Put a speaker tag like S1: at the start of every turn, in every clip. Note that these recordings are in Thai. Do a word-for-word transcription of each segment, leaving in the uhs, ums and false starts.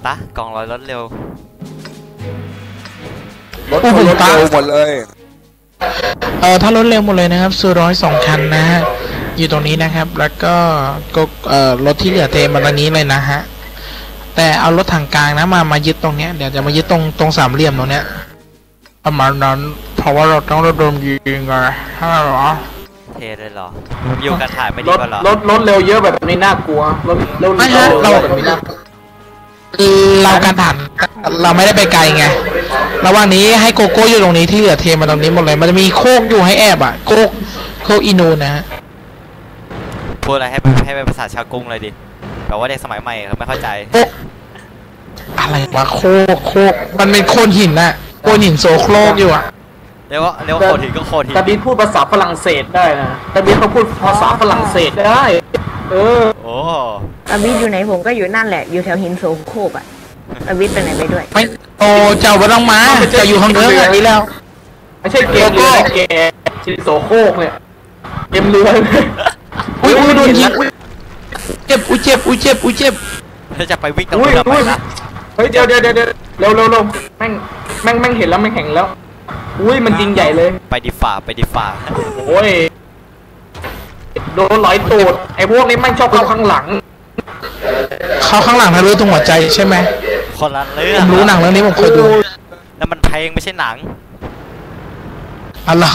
S1: ะกองร้อยรถเร็ว
S2: รถรถเร็วหมดเลย
S3: เออถ้ารถเร็วหมดเลยนะครับซื้อร้อยสองคันนะฮะอยู่ตรงนี้นะครับแล้วก็ก็เอ่อรถที่เหลือเทมาตรงนี้เลยนะฮะแต่เอารถทางกลางนะมามายึดตรงเนี้ยเดี๋ยวจะมายึดตรงตรงสามเหลี่ยมตรงเนี้ยประมาณนั้นเพราะว่าเราต้องระดมยิงไงใช่หรอ
S1: เทเลยเหรออยู่กันถ่ายไม่ดีกว่าหรอ
S4: รถรถเร็วเยอะแบบนี้น่ากลัวรถเร็วไม่ใช่เราแบบนี้น่ากลัว
S3: เราการผ่านเราไม่ได้ไปไกลไงระหว่างนี้ให้โกโก้อยู่ตรงนี้ที่เหลือเทมาตรงนี้หมดเลยมันจะมีโคกอยู่ให้แอบอ่ะโคกโคกอินูนะฮะ
S1: พูดอะไรให้ให้เป็นภาษาชาวกรุงเลยดิแบบว่าเด็กสมัยใหม่เขาไม่เข้าใจ
S3: อะไรวะโคกโคกมันเป็นโคนหินน่ะโคนหินโซโครกอยู่อ่ะ
S1: เรียกว่าเรียกว่าโคหินก็โคหิน
S4: แต่บีพูดภาษาฝรั่งเศสได้นะแต่บีเขาพูดภาษาฝรั่งเศสได้เออ
S1: โอ้
S5: อาวิทอยู่ไหนผมก็อยู่นั่นแหละอยู่แถวหินโซโคกอ่ะอาวิทไปไหนไปด้วย
S3: ไม่โอ้เจ้าไม่ต้องมาจะอยู่ข้างเรืออย่างนี้แล้ว
S4: ไม่ใช่เกมเรือเกมหินโซโคกเนี่ยเกมเรือ
S3: อุ้ยอุ้ยโดนยิงเจ็บอุ้ยเจ็บอุ้ยเจ็บอุ้ยเจ็บ
S1: ถ้าจะไปวิ่งตรงนี้ไปนะ
S4: เฮ้ยเดี๋ยวเดี๋ยวเดี๋ยวเร็วเร็วเร็วแม่งแม่งแม่งเห็นแล้วแม่งแข็งแล้วอุ้ยมันจริงใหญ่เลย
S1: ไปดิฝ่าไปดิฝ่า
S4: โอ้ยโดนลอยตูดไอ้พวกนี้แม่งชอบเข้าข้างหลัง
S3: เข้าข้างหลังทะลุตรงหัวใจใช่ไหม
S1: คนละเรื่อง
S3: ผมรู้หนังเรื่องนี้ผมเคยดู
S1: แล้วมันเพลงไม่ใช่หนัง
S3: อะไร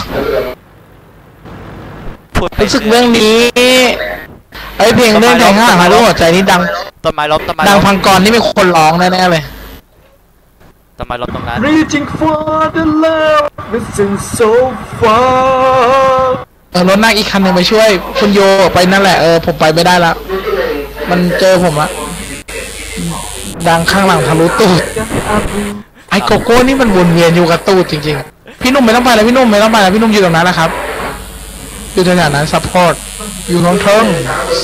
S3: รู้สึกเรื่องนี้ไอเพลงเรื่องแทงข้างหลังทะลุหัวใจนี่ดัง
S1: ต้นไม้ล้มต้นไม้
S3: ดังพังกรนี่มีคนร้องแน่ๆเลย
S1: ต้นไม้ล้มตรงนั้น
S4: Reaching for the love listen so far
S3: เออรถนั่งอีกคันหนึ่งไปช่วยคุณโยไปนั่นแหละเออผมไปไม่ได้แล้วมันเจอผมละดังข้างหลังทะลุตูดไอโกโก้นี่มันวนเวียนอยู่กับตูดจริงๆพี่นุ่มไม่ต้องไปแล้วพี่นุ่มไม่ต้องไปแล้วพี่นุ่มอยู่ตรงนั้นนะครับอยู่ตรงนั้นซัพพอร์ตอยู่ตรงเทิง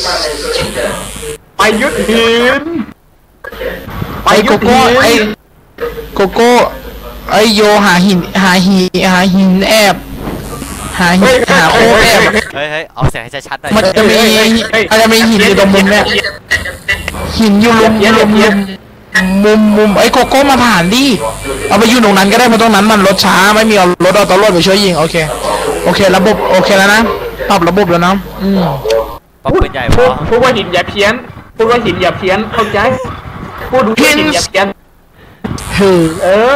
S4: ไปยึดหิน
S3: ไปโกโก้ไอโกโก้ไอโยหาหินหาหินหาหินแอบหาหินหาโอ้แอบ
S1: เฮ้ยเฮ้ยเอาเสียงให้ชัดๆหน่อย
S3: มันจะมีมันจะมีหินอยู่ตรงมุมเนี้ยหินอยู่มุมมุมมุมมุมไอโกโก้มาผ่านดิเอาไปอยู่ตรงนั้นก็ได้เพราะตรงนั้นมันรถช้าไม่มีเอารถเอาตำรวจไปช่วยยิงโอเคโอเคระบบโอเคแล้วนะปรับระบบแล้วนะอืม
S1: ปรับเป็นใหญ่พอ
S4: พูดว่าหินอย่าเพี้ยนพูดว่าหินอย่าเพี้ยนเข้าใจพูดดูหินอย่าเพี้ยนเออ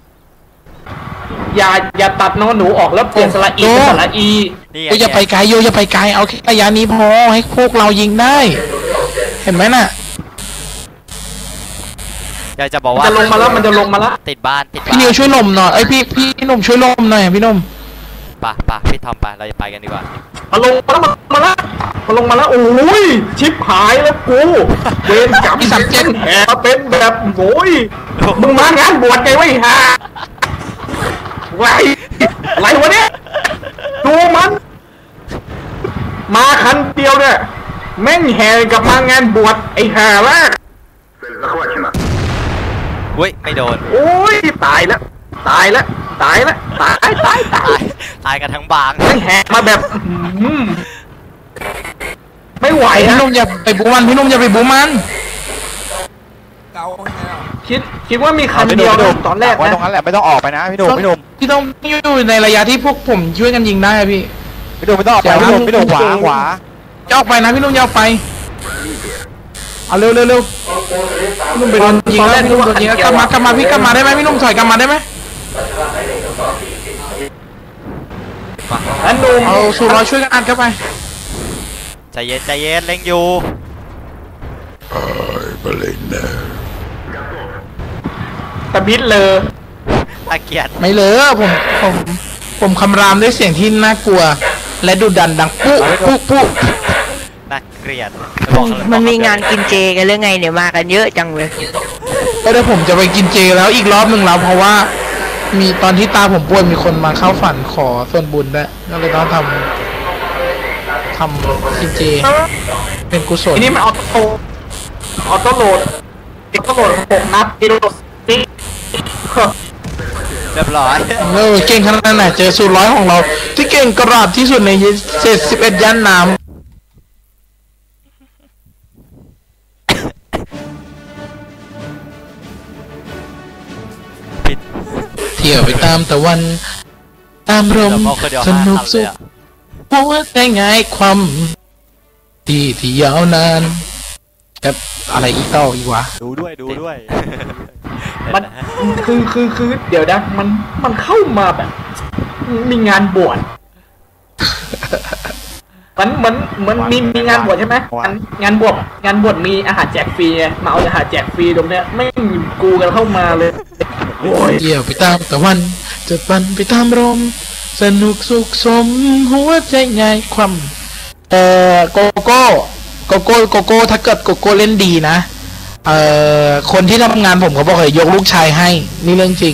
S4: อย่าอย่าตัดนอหนูออกแล้วเปลี่ยนสระอีเป็นสระอี
S3: โยอย่าไปไกลโยอย่าไปไกลเอาแค่ระยะนี้พอให้พวกเรายิงได้เห็นไหมน่ะ
S1: อยากจะบอกว่า
S4: จะลงมาแล้วมันจะลงมาแล้ว
S1: ติดบ้านติดบ้าน
S3: พี่นิวช่วยลมหน่อยไอพี่พี่หนุ่มช่วยลมหน่อยพี่นุ่ม
S1: ป่ะป่ะพี่ทอมป่ะเราจะไปกันดีกว่า
S4: มาลงมาแล้วมาแล้วมาลงมาแล้วโอ้ยชิบหายแล้วกูเวรกรรมสัตว์เจ็บแหมเป็นแบบโง่ยมึงมางานบวชไงวะฮะไรอะไรวะเนี่ยดูมันมาคันเดียวเนี่ยแม่งแห่กับมางานบวชไอ้ห่าละ
S1: เว้ยไม่โดน
S4: โอ้ยตายแล้วตายแล้วตายแล้วตายตายตาย
S1: ตายกันทั้งบาง
S4: แม่งแห่มาแบบไม่ไหว
S3: พี่นุ่มอย่าไปบูมันพี่นุ่มอย่าไปบูมัน
S4: คิดคิดว่ามีคันเดียวตอนแรกนะ
S2: ตรงนั้นแหละไม่ต้องออกไปนะพี่นุ่มพี่นุ่ม
S3: พี่ต้องอยู่ในระยะที่พวกผมช่วยกันยิงได้พี่
S2: พี่นุ่มไม่ต้องออกไปพี่นุ่มพี่นุ่มขวาขวา
S3: จะออกไปนะพี่นุ่มจะออกไปเอาเร็วเร็วเร็วพี่นุ่มไปโดนยิงแล้วพี่นุ่มโดนยิงแล้วกลับมากลับมาพี่กลับมาได้ไหมพี่นุ่มถอยกลับมาได้ไหม
S4: อันนุ่ม
S3: เอาสูร้อยช่วยกันอัดเข้าไป
S1: ใจเย็นใจเย็นเล็งอยู่
S4: ตะบิดเลย
S1: อาเกียรติ
S3: ไม่เลยผมผมผมคำรามด้วยเสียงที่น่ากลัวและดุดันดังปุ๊บปุ๊บปุ๊บ
S1: น่าเกลียด
S5: มันมีงานกินเจกันหรือไงเนี่ยมากันเยอะจังเลย
S3: ก็เดี๋ยวผมจะไปกินเจแล้วอีกรอบหนึ่งแล้วเพราะว่ามีตอนที่ตาผมป่วยมีคนมาเข้าฝันขอส่วนบุญด้วยก็เลยต้องทำทำกินเจเป็นกุศล
S4: ทีนี้มันออโต้ออโต้โหลดออโต้โหลดหกนัดกิโลนี่
S1: เรียบร้อย
S3: เออเก่งขนาดไหนเจอสูตรร้อยของเราที่เก่งกระดาษที่สุดในเจ็ดสิบเอ็ดย่านน้ำที่ยวไปตามตะวัน ตามลม
S1: เดี๋ยวคนเดียว
S3: ส
S1: ห้า
S3: นุก
S1: คำเล
S3: สุ
S1: ย
S3: ข
S1: อะ
S3: หัวใจง่ายความที่ที่ยาวนานแต่อะไรอีกต่ออีกวะ
S2: ดูด้วยดูด้วย
S4: มันคือคือคือเดี๋ยวนะมันมันเข้ามาแบบ มีงานบวชมันเหมือนเหมือนมีมีงานบวชใช่ไหมงานงานบวชงานบวชมีอาหารแจกฟรีไงมาเอาอาหารแจกฟรีตรงเนี้ยไม่มีกูกันเข้ามาเลยโอ้ย
S3: เที่ยวไปตามตะวันจะปั่นไปตามลมสนุกสุขสมหัวใจง่ายความเอ่อโกโก้โกโก้โกโก้ถ้าเกิดโกโก้เล่นดีนะเอ่อคนที่ทำงานผมเขาบอกเลยยกลูกชายให้นี่เรื่องจริง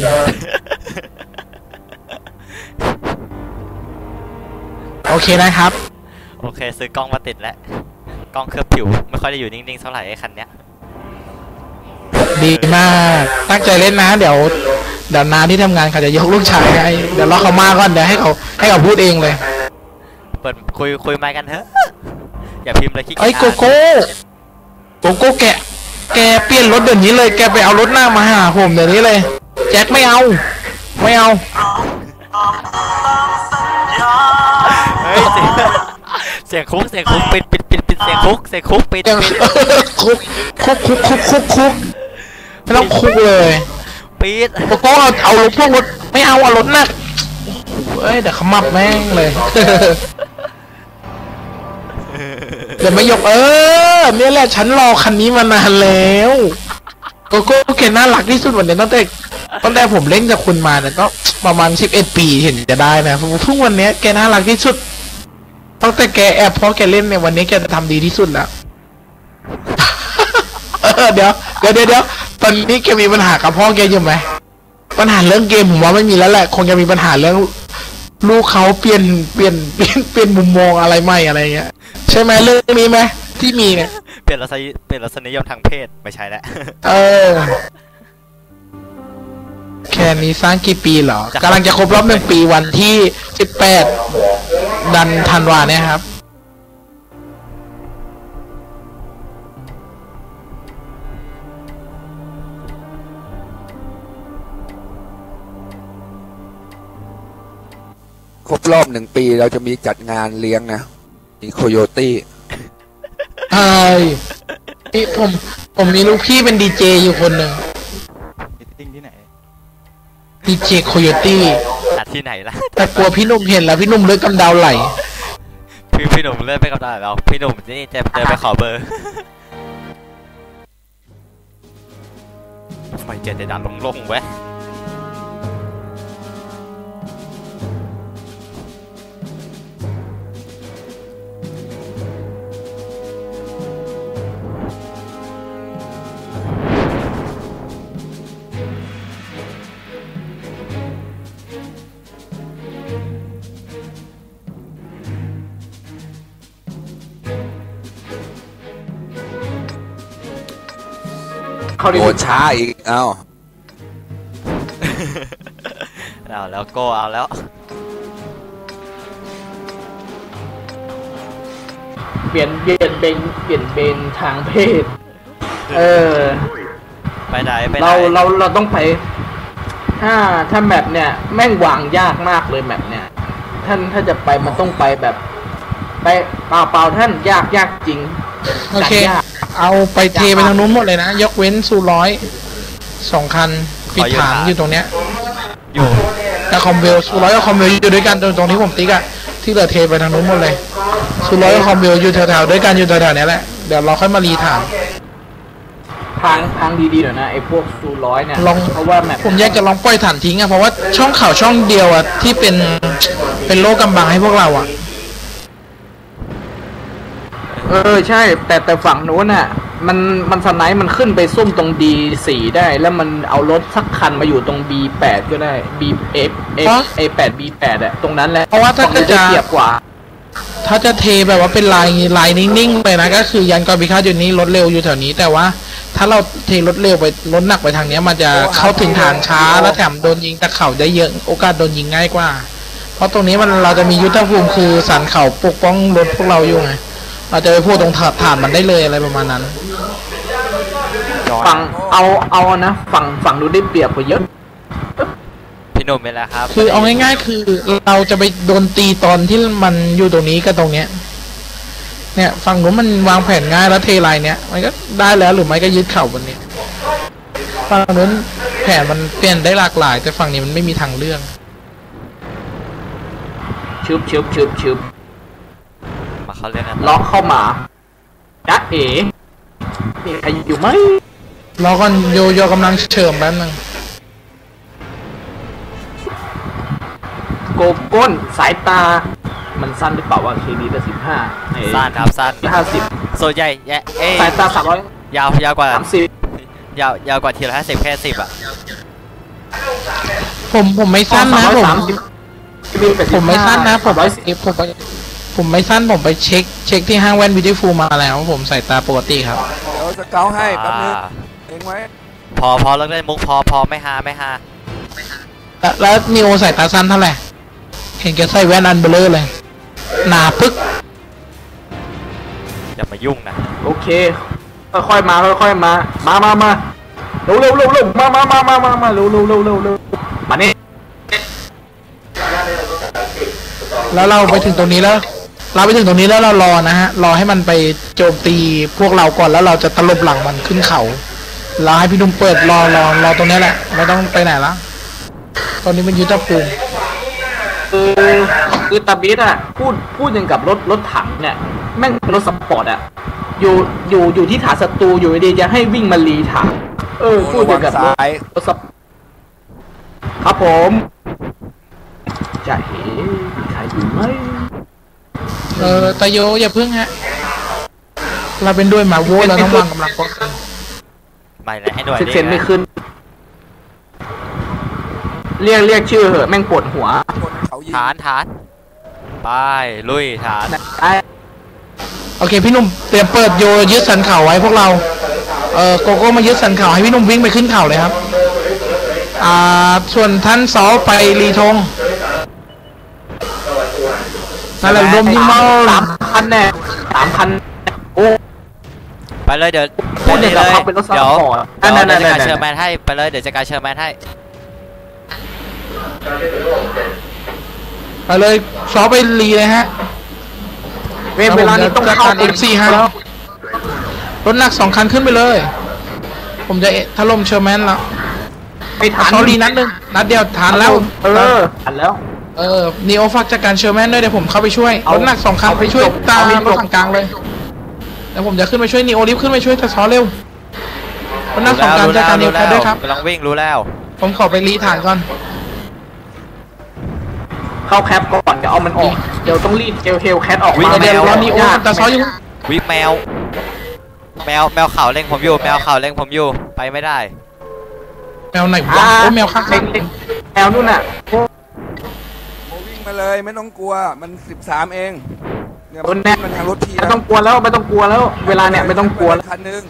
S3: โอเคนะครับ
S1: โอเคซื้อกล้องมาติดแล้วกล้องเคลือบผิวไม่ค่อยได้อยู่นิ่งๆเท่าไหร่ไอ้คันเนี้ย
S3: ดีมากตั้งใจเล่นนะเดี๋ยวเดี๋ยวนาที่ทำงานเขาจะยกลูกชายให้เดี๋ยวรอเขามาก่อนเดี๋ยวให้เขาให้เขาพูดเองเลย
S1: เปิดคุยคุยไมค์กันเถอะอย่าพิมพ์เลยขี้เกียจ
S3: ไอ้โกโก้โกโก้แกะแกเปลี่ยนรถเดี๋ยวนี้เลยแกไปเอารถหน้ามาหาผมเดี๋ยวนี้เลยแจ็คไม่เอาไม่เอา
S1: เฮ้ยเสียงเสียงคุกเสียงคุกปิดปิดปิดปิดเสียงคุกเสียงคุกปิด
S3: ยัง
S1: ปิด
S3: คุกคุกคุกคุกคุกคุกไม่ต้องคุกเลย
S1: ปิด
S3: โกโก้เอาเอารถพวกรถไม่เอาเอารถหนักเอ้ยเดี๋ยวขมับแม่งเลย เดี๋ยวไม่ยกเออเนี่ยแหละฉันรอคันนี้มานานแล้วโกโก้แกน่ารักที่สุดวันนี้ตั้งแต่ตั้งแต่ผมเล่นกับคุณมาเนี่ยก็ประมาณสิบเอ็ดปีเห็นจะได้นะเพิ่งวันนี้แกน่ารักที่สุดตั้งแต่แกแอบเพราะแกเล่นเนี่ยวันนี้แกจะทำดีที่สุดแล้ว เออเดี๋ยวเดี๋ยวเดี๋ยวเดี๋ยวตอนนี้แกมีปัญหากับพ่อแกอยู่ไหมปัญหาเรื่องเกมผมว่าไม่มีแล้วแหละคงจะมีปัญหาเรื่องลูกเขาเปลี่ยนเปลี่ยนเปลี่ยนเปลี่ยนมุมมองอะไรใหม่อะไรเงี้ยใช่ไหมเรื่องนี้ไหมที่มีเนี่ย
S1: เปลี่ยนรสนิเปลี่ยนรสนิยมทางเพศไม่ใช่แล้ว
S3: เออแค่นี้สร้างกี่ปีเหรอกำลังจะครบรอบหนึ่งปีวันที่สิบแปดดันธันวาเนี่ยครับ
S2: ครบรอบหนึ่งปีเราจะมีจัดงานเลี้ยงนะมีโคโยตี้
S3: ใช่พี่ผมผมมีลูกพี่เป็นดีเจอยู่คนหนึ่ง
S2: ติ้งที่ไหน
S3: ดีเจโคโยตี้
S1: อัดที่ไหนล่ะ
S3: แต่กลัวพี่หนุ่มเห็นแล้วพี่หนุ่มเลือดกำเดาไหล
S1: พี่พี่หนุ่มเลื่อนไปกับตาเราพี่หนุ่มนี่จะเดินไปขอเบอร์ทำไมเจนจะดันลงๆเว้ย
S4: เขาดี
S2: โดนช้าอีกเอ้า
S1: เอาแล้วโก้เอาแล้ว
S4: เปลี่ยนเปลี่ยนเป็นเปลี่ยนเป็นทางเพศ เออ
S1: ไปไหนไปไหน
S4: เราเราเราต้องไป ถ้าถ้าแมปเนี่ยแม่งวางยากมากเลยแมปเนี่ยท่านถ้าจะไปมันต้องไปแบบ ไปเปล่าเปล่าท่านยากยากจริง
S3: โอเค
S4: ยาก
S3: เอาไปเทไปทางนู้นหมดเลยนะ ยกเว้นซูร้อยสองคันปิดฐานอยู่ตรงเนี้ย
S1: อยู่
S3: แต่คอมเวลซูร้อยกับคอมเวลอยู่ด้วยกันตรงตรงที่ผมติ๊กอะที่เหลือเทไปทางนู้นหมดเลยซูร้อยกับคอมเวลอยู่แถวๆด้วยกันอยู่แถวๆเนี้ยแหละเดี๋ยวเราค่อยมารีฐาน
S4: ทางทางดีๆหน่อยนะไอ้พวกซูร้อยเนี่ย
S3: ลอง
S4: เพราะว่าแมป
S3: ผมอยากจะลองปล่อยฐานทิ้งอะเพราะว่าช่องข่าวช่องเดียวอะที่เป็นเป็นโลกกำบังให้พวกเราอะ
S4: เออใช่ แต่แต่ฝั่งนู้นน่ะมันมันสไนป์มันขึ้นไปซุ่มตรง ดี สี่ ได้ แล้วมันเอารถสักคันมาอยู่ตรง บี แปด ก็ได้ B F F A แปด B แปด อะตรงนั้นแหละ
S3: เพราะว่าถ้า
S4: ฝั่ง
S3: จะ
S4: นู้นได้เปรียบกว่า
S3: ถ้าจะเทแบบว่าเป็นลายลายนิ่งๆไปนะก็คือยันกอบิคาอยู่นี้รถเร็วอยู่แถวนี้แต่ว่า ถ้าเราเทรถเร็วไปรถหนักไปทางเนี้ยมันจะเข้าถึงฐานช้าแล้วแถมโดนยิงตะเข่าได้เยอะโอกาสโดนยิงง่ายกว่า เพราะตรงนี้มันเราจะมียุทธภูมิคือสันเข่าปกป้องรถพวกเราอยู่ไงเราจะไปพูดตรงฐานมันได้เลยอะไรประมาณนั้น
S4: ฝั่งเอาเอานะฝั่งฝั่งนู้นได้เปรียบกว่าเยอะ
S1: พี่หนุ่มเป็นแล้วครับ
S3: คือเอาง่ายๆคือเราจะไปโดนตีตอนที่มันอยู่ตรงนี้กับตรงเนี้ยเนี่ยฝั่งนู้นมันวางแผนง่ายแล้วเทลายเนี้ยมันก็ได้แล้วหรือไม่ก็ยึดเข่าบนนี้ฝั่งนู้นแผนมันเปลี่ยนได้หลากหลาย แต่ฝั่งนี้มันไม่มีทางเลือก
S4: ชึบชึบชึบชึบ
S1: มาเขาเล่นนะ
S4: ล็อกเข้ามาจ๊ะเอ๋มีใครอยู่ไหม
S3: รอก่อนโยโยกำลังเฉิมแป๊บนึง
S4: โกก้นสายตา มันสั้นหรือเปล่าวะเคดีละสิบห้า
S1: สั้นครับสั้น
S4: ห้าสิบ
S1: ส่วนใหญ่แย่เอ้ย
S4: สายตาสามร้อย
S1: ยาวยาวกว่า
S4: สามสิบ
S1: ยาวยาวกว่าทีละห้าสิบแค่สิบอ่ะ
S3: ผมผมไม่สั้นนะผม
S4: สามสิบ
S3: ผมไม่สั้นนะผม
S4: ร้
S3: ไป
S4: อยสิบ
S3: ผมไปผมไม่สั้นผมไปเช็คเช็คที่ห้างแว่นวิดีฟูมาแล้ว ผมใส่ตาปกติครับ
S2: เดี๋ยวสเกลให้แป๊บนึง
S1: อ่า
S2: เองไว้
S1: พอพอเลิกเล่นมุกพอพอไม่ฮาไม่ฮา
S3: แล้วแล้วนิโอใส่ตาสั้นเท่าไหร่เห็นแกใส่แว่นอันเบลอเลยหนาปึ๊ก
S1: อย่ามายุ่งนะ
S4: โอเค ค่อยๆมาค่อยๆมา มามามาเร็วเร็วเร็วเร็วมามามามามามาเร็วเร็วเร็วเร็วเร็วมานี่
S3: แล้วเราไปถึงตรงนี้แล้ว เราไปถึงตรงนี้แล้วเรารอนะฮะรอให้มันไปโจมตีพวกเราก่อนแล้วเราจะตลบหลังมันขึ้นเขาเราให้พี่นุ่มเปิดรอรอรอตรงนี้แหละไม่ต้องไปไหนละตอนนี้มันยุทธภูมิ
S4: คือคือตาบิดอ่ะพูดพูดอย่างกับรถรถถังเนี่ยแม่งเป็นรถสปอร์ตอ่ะอยู่อยู่อยู่ที่ฐานศัตรูอยู่ดีๆจะให้วิ่งมารีถังเออพูดอย่างกับรถ
S2: ซ้าย
S4: รถสปครับผมจะเห็นใครอยู่ไหม
S3: เออตาโยอย่าพึ่งฮะเราเป็นด้วยหมาโว้เราต้องวางกำลังป้องกัน
S1: ไม่เลยให้หน่วย
S4: เซ็น
S1: ดิ
S4: เซ็นไม่ขึ้น เรียกเรียกชื่อเหอะแม่งปวดหัว
S2: คนเขายิง
S1: ฐานฐานไปลุยฐาน
S4: ไอ้
S3: โอเคพี่หนุ่มเตรียมเปิดโยยึดสันเขาไว้พวกเราเออโกโก้มายึดสันเขาให้พี่หนุ่มวิ่งไปขึ้นเขาเลยครับอ่าส่วนท่านซอไปรีธงนั่นแหละรวมยิงมา
S4: สามพันแน่สามพันโอ้
S1: ไปเลยเดี๋ยว
S4: พูดอย่างกับ
S1: เลย
S4: เขาเป็นรถซัพ
S1: เดี๋ยว
S4: พอร์ต
S1: เดี๋ยว
S4: นั่นๆๆๆ
S1: เดี๋ยวจะการเชิญแมนให้ไปเลยเดี๋ยวจะการเชิญแมนให้
S3: ไปเลยซอไปรีเลยฮะ
S4: เวลาเวลานี้ต้องเข้า
S3: เอฟซีให้แล้วรถหนักสองคันขึ้นไปเลย ผมจะถล่มเชอร์แมนแล้ว
S4: ไปฐาน
S3: ซอรีนัดหนึ่งนัดเดียวทานแล้ว
S4: เออทันแล้ว
S3: เออนีโอฝากจัดการเชอร์แมนด้วยเดี๋ยวผมเข้าไปช่วย
S4: เอา
S3: รถหนักสองคัน
S4: เอา
S3: ไปช่วย
S4: จบ
S3: ตาม
S4: เอาให้
S3: รถ
S4: จบ
S3: ถังกลางเลยแล้วผมจะขึ้นไปช่วยนีโอรีบขึ้นไปช่วยแต่ซอเร็วรถหนักสองคันจัดการนีโอแคทด้วยครับ
S1: กำลังวิ่งรู้แล้ว
S3: ผมขอไปรีฐานก่อน
S4: เข้าแคปก่อนเดี๋ยวเอามันออก เดี๋ยวต้องรีดเอลเฮลแคทออกมา
S3: เดี๋ยวรอนีโอแต่ซออยู่
S1: วิแมว แมวแมวขาวเล็งผมอยู่แมวขาวเล็งผมอยู่ไปไม่ได้
S3: แมวไหน
S4: อ่าว
S3: ะโอ้แมวข้าง
S4: เล็งเล็งแมวนู่นน่ะ
S2: โมวิ่งมาเลยไม่ต้องกลัวมันสิบสามเองเนี่ย
S4: คนแน่
S2: มันทางรถที
S4: ไม่ต้องกลัวแล้วไม่ต้องกลัวแล้ว เวลาเนี่ยไม่ต้องกลัวแล้ว
S2: คันหนึง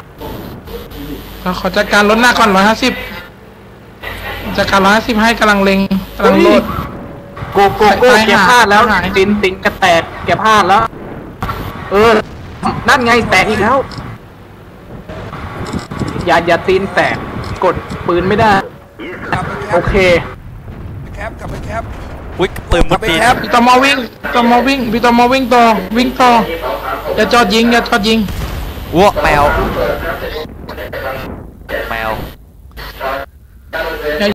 S3: ๆขอจัดการรถหน้าก่อนร้อยห้าสิบจัดการร้อยห้าสิบให้กำลังเล็งกำลังโหลด
S4: โกโกโก้
S3: ไปหา
S4: แกพลาดแล้ว
S3: ไปหา
S4: ตินตินกระแตกแกพลาดแล้ว เออ นั่นไงแตกอีกแล้ว อย่าอย่าตีนแตกกดปืนไม่ได้
S2: กลับไปแค
S4: โอ
S2: ป
S4: เค
S2: แคปกลับไปแคป
S1: อุ้ยปืนมุดดิน
S2: ครับ
S3: พี่ตอมอวิ่งพี่ตอมอวิ่งพี่ตอมอวิ่งต่อวิ่งต่ออย่าจอดยิงอย่าจอดยิง
S1: วัวแมว แมว
S3: อย่า